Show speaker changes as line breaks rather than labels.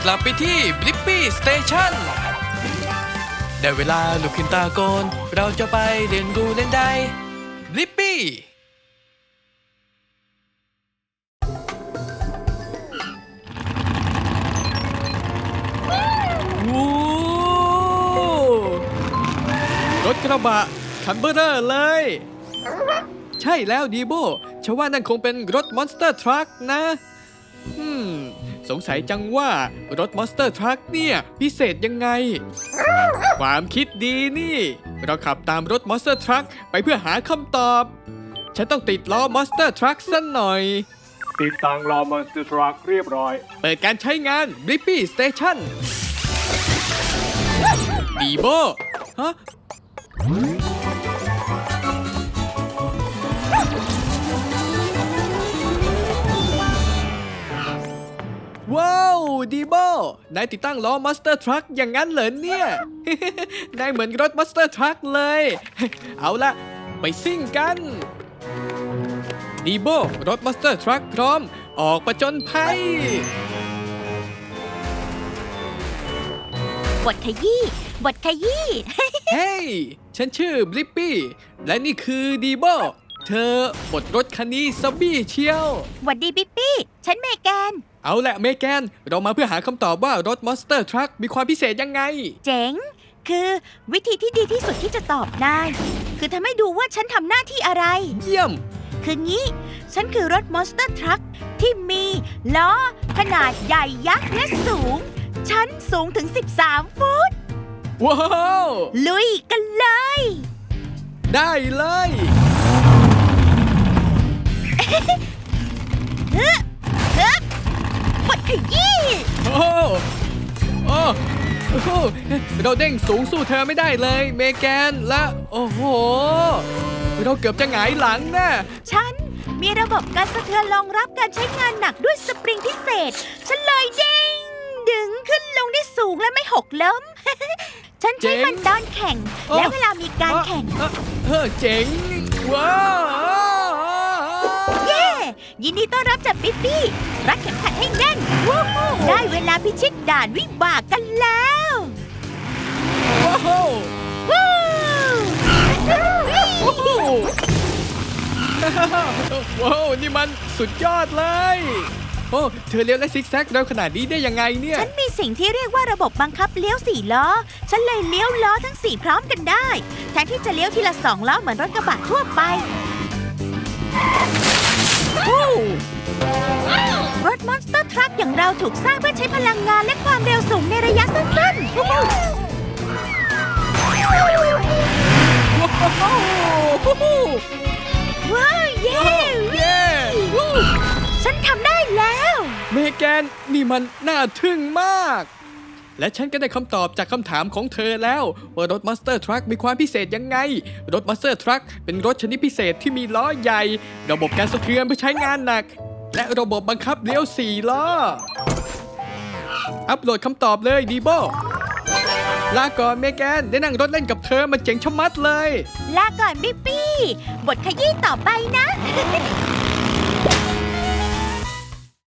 กลับไปที่บลิปปี้สเตชันได้เวลาลุกขึ้นตาโกนเราจะไปเรียนรู้เล่นได้บลิปปี้รถกระบะคันเบอร์เรอร์เลยใช่แล้วดีโบฉันว่านั่นคงเป็นรถมอนสเตอร์ทรัคนะสงสัยจังว่ารถมอนสเตอร์ทรัคเนี่ยพิเศษยังไงความคิดดีนี่เราขับตามรถมอนสเตอร์ทรัคไปเพื่อหาคำตอบฉันต้องติดล้อมอนสเตอร์ทรัคสักหน่อย
ติดตั้งล้อมอนสเตอร์ทรัคเรียบร้อย
เปิดการใช้งานบลิปปี้สเตชันดีโบฮะว้าวดีโบนายติดตั้งล้อมอนสเตอร์ทรัคอย่างนั้นเหรอเนี่ย นายเหมือนรถมอนสเตอร์ทรัคเลย เอาละไปซิ่งกันดีโบรถมอนสเตอร์ทรัคพร้อมออกประจนภัย
บทขยี้บทขยี้
เฮ้ยฉันชื่อบลิปปี้และนี่คือดีโบเธอบดรถคันนี้ซะบี้เชียว
หวัดดีปิ๊ปปี้ฉันเมแกน
เอาแหละเมแกนเรามาเพื่อหาคำตอบว่ารถมอนสเตอร์ทรัคมีความพิเศษยังไง
เจ๋งคือวิธีที่ดีที่สุดที่จะตอบนายคือทำให้ดูว่าฉันทำหน้าที่อะไร
เยี่ยม
คืองี้ฉันคือรถมอนสเตอร์ทรัคที่มีล้อขนาดใหญ่ยักษ์และสูงฉันสูงถึง13 ฟุต
ว้าว
ลุยกันเลย
ได้เลย
บทขยี้
โอ้โอ้เราเด้งสูงสู้เธอไม่ได้เลยเมแกนและโอ้โหเราเกือบจะหงายหลังนะ
ฉันมีระบบการสะเทือนรองรับการใช้งานหนักด้วยสปริงพิเศษฉันเลยเด้งดึงขึ้นลงได้สูงและไม่หกล้ม ฉันใช้มันตอนแข่งและเวลามีการแข่ง
เจ๋งว้าว
เย้ยินดีต้อนรับจากปิ๊ปปี้รัดเข็มขัดให้แน่นได้เวลาพิชิตด่านวิบากกันแล้ว
ว้าวว้าวนี่มันสุดยอดเลยโอ้เธอเลี้ยวและซิกแซกเร็วขนาดนี้ได้ยังไงเนี่ย
ฉันมีสิ่งที่เรียกว่าระบบบังคับเลี้ยว4 ล้อฉันเลยเลี้ยวล้อทั้ง4พร้อมกันได้แทนที่จะเลี้ยวทีละ2 ล้อเหมือนรถกระบะทั่วไปรถมอนสเตอร์ทรัคอย่างเราถูกสร้างเพื่อใช้พลังงานและความเร็วสูงในระยะสั้นๆว้าวเย้ฉันทำได้แล้ว
เมแกนนี่มันน่าทึ่งมากและฉันก็ได้คำตอบจากคำถามของเธอแล้วว่ารถมอนสเตอร์ทรัคมีความพิเศษยังไงรถมอนสเตอร์ทรัคเป็นรถชนิดพิเศษที่มีล้อใหญ่ระบบการสะเทือนเพื่อใช้งานหนักและระบบบังคับเลี้ยว4 ล้ออัปโหลดคำตอบเลยดีโบลาก่อนเมแกนได้นั่งรถเล่นกับเธอมันเจ๋งชะมัดเลย
ลาก่อนปิ๊ปปี้บทขยี้ต่อไปนะ